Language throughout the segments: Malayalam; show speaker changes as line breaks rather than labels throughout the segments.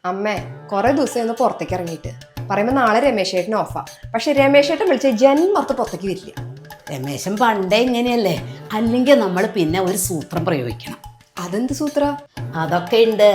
അമ്മേ കുറെ ദിവസം ഒന്ന് പുറത്തേക്ക് ഇറങ്ങിയിട്ട് പറയുമ്പോ നാളെ രമേശ് ചേട്ടന് ഓഫാ. പക്ഷെ രമേശ് ചേട്ടൻ വിളിച്ച ജന്മത്ത് പുറത്തേക്ക് വരില്ല.
രമേശൻ പണ്ടേ ഇങ്ങനെയല്ലേ, അല്ലെങ്കിൽ നമ്മൾ പിന്നെ ഒരു സൂത്രം പ്രയോഗിക്കണം.
അതെന്ത് സൂത്ര?
അതൊക്കെ ഉണ്ട്.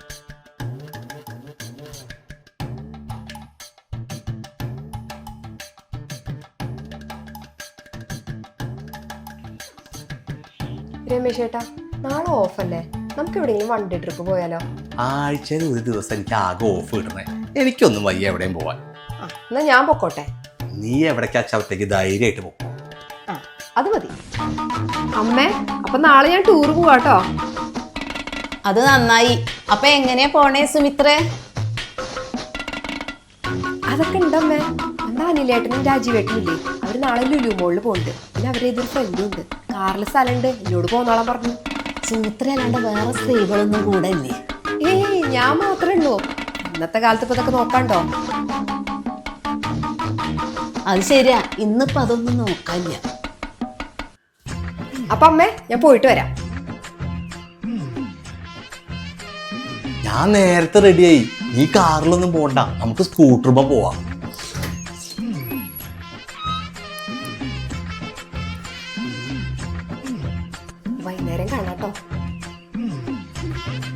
രമേശ് ചേട്ടാ നാളെ ഓഫല്ലേ, നമുക്ക് എവിടെയെങ്കിലും വൺ ഡേ ട്രിപ്പ് പോയാലോ?
ആഴ്ചയിൽ ഒരു ദിവസം എനിക്ക് ആകെ ഓഫ് കിട്ടണേ. എനിക്കൊന്നും വയ്യ എവിടെയും പോവാൻ.
എന്നാ ഞാൻ പൊക്കോട്ടെ.
നീ എവിടേക്കാ ചവത്തേക്ക് ധൈര്യമായിട്ട് പോകും.
അത് മതി അമ്മേ. അപ്പൊ നാളെ ഞാൻ ടൂർ പോവാട്ടോ.
അത് നന്നായി. അപ്പൊ എങ്ങനെയാ പോണേ സുമിത്രേ?
അതൊക്കെ ഉണ്ടമ്മേ. നമ്മുടെ അനിലേട്ടനും രാജീവേട്ടനും ഇല്ലേ, അവര് നാളെ ലുലു മോളിൽ പോകുന്നുണ്ട്. പിന്നെ അവരെ ഇതൊരു ഫ്രണ്ടും ഉണ്ട്, കാറിൽ സ്ഥലമുണ്ട്, എന്നോട് പോന്നോളാൻ പറഞ്ഞു.
സുമിത്ര അല്ലാണ്ട് വേറെ സ്ത്രീകളൊന്നും കൂടെ ഇല്ലേ?
ഏയ് ഞാൻ മാത്രമേ ഉള്ളൂ. ഇന്നത്തെ കാലത്ത് ഇപ്പൊ ഇതൊക്കെ നോക്കാണ്ടോ?
അത് ശരിയാ, ഇന്നിപ്പോ അതൊന്നും നോക്കാനില്ല.
അപ്പൊ അമ്മേ ഞാൻ പോയിട്ട് വരാം.
ഞാൻ നേരത്തെ റെഡിയായി. നീ കാറിലൊന്നും പോണ്ട, നമുക്ക് സ്കൂട്ടറുമ്പോ പോവാം.
വൈകുന്നേരം കാണാട്ടോ.